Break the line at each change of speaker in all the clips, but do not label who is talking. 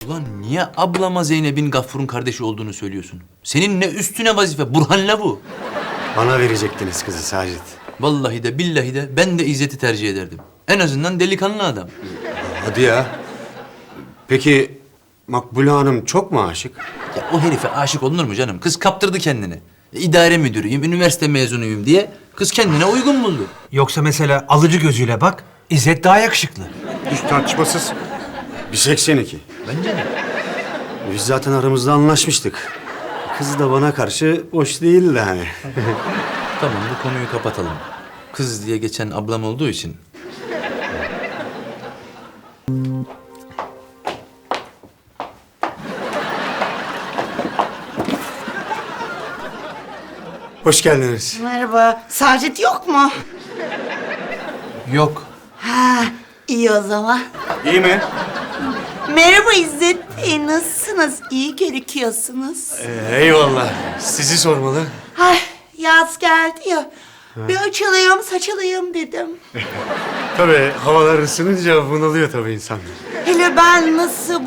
Ulan niye ablama Zeynep'in Gaffur'un kardeşi olduğunu söylüyorsun? Senin ne üstüne vazife, Burhan'la bu.
Bana verecektiniz kızı Sacit.
Vallahi de billahi de ben de İzzet'i tercih ederdim. En azından delikanlı adam.
Hadi ya. Peki Makbule Hanım çok mu aşık?
Ya o herife aşık olunur mu canım? Kız kaptırdı kendini. İdare müdürüyüm, üniversite mezunuyum diye kız kendine uygun buldu.
Yoksa mesela alıcı gözüyle bak, İzzet daha yakışıklı.
Hiç tartışmasız. 1.82.
Bence de.
Biz zaten aramızda anlaşmıştık. Kız da bana karşı boş değildi hani.
Tamam bu konuyu kapatalım. Kız diye geçen ablam olduğu için.
Hoş geldiniz.
Merhaba. Sacit yok mu?
Yok.
Ha, iyi o zaman.
İyi mi?
Merhaba İzzet Bey, nasılsınız? İyi gözüküyorsunuz.
Eyvallah. Sizi sormalı.
Ay, yaz geldi ya. Bir açılayım, saçılayım dedim.
Tabii havalar ısınınca bunalıyor tabii insan.
Hele ben nasıl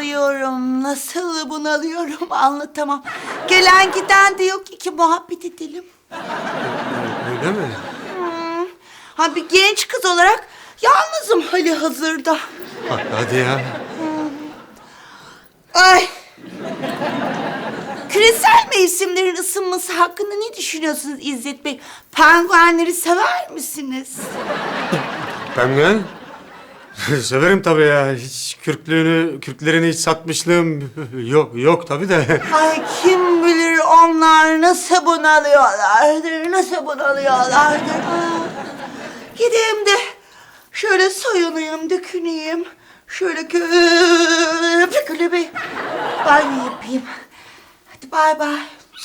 bunalıyorum anlatamam. Gelen giden de yok ki muhabbet edelim.
Öyle mi?
Ha bir genç kız olarak yalnızım hali hazırda.
Hadi ya.
Ay. Küresel mevsimlerin ısınması hakkında ne düşünüyorsunuz İzzet Bey? Penguenleri sever misiniz?
Penguen? Severim tabii ya. Hiç kürklerini hiç satmışlığım yok tabii de.
Ay kim bilir onlar nasıl bunalıyorlardır. Gideyim de şöyle soyunayım, döküneyim. Şöyle köpükülü bir banyo yapayım. Hadi bay bay.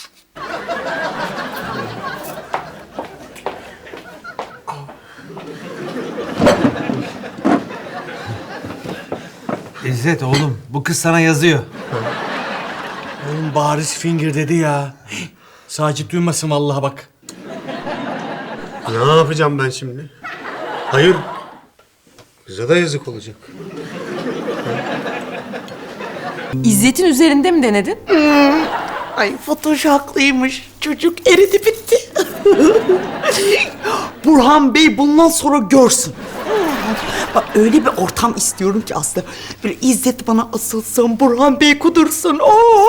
İzzet oğlum, bu kız sana yazıyor.
Oğlum bariz finger dedi ya. Sacit duymasın vallahi bak.
Ne yapacağım ben şimdi? Hayır. Kıza da yazık olacak.
İzzet'in üzerinde mi denedin?
Ay Fatoş haklıymış. Çocuk eridi bitti. Burhan Bey bundan sonra görsün. Bak öyle bir ortam istiyorum ki aslında. Böyle İzzet bana asılsın, Burhan Bey kudursun. Oo!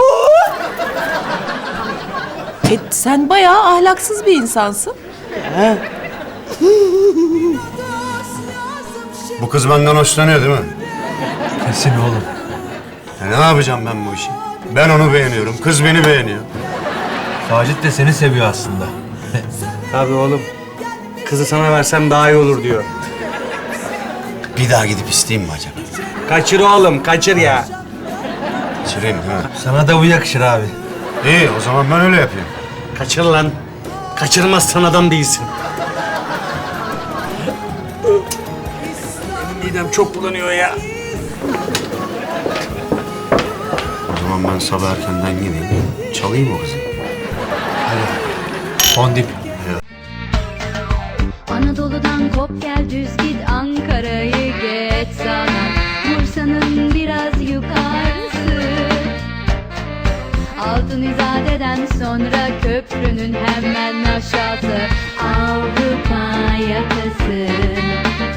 Sen bayağı ahlaksız bir insansın.
Bu kız benden hoşlanıyor değil mi?
Kesin oğlum.
Ne yapacağım ben bu işi? Ben onu beğeniyorum, kız beni beğeniyor.
Sacit de seni seviyor aslında.
Tabii oğlum. Kızı sana versem daha iyi olur diyor.
Bir daha gidip isteyeyim mi acaba?
Kaçır oğlum, kaçır ya.
Çırayım ha.
Sana da bu yakışır abi.
İyi, o zaman ben öyle yapayım.
Kaçır lan. Kaçırmazsan adam değilsin. Benim midem çok bulanıyor ya.
O zaman ben sabah erkenden gideyim, çalayım o kızı.
Fondip.
Anadolu'dan kop gel düz git Ankara'yı geç sana Bursa'nın biraz yukarısı Altın İzade'den sonra köprünün hemen aşağısı Avrupa yakası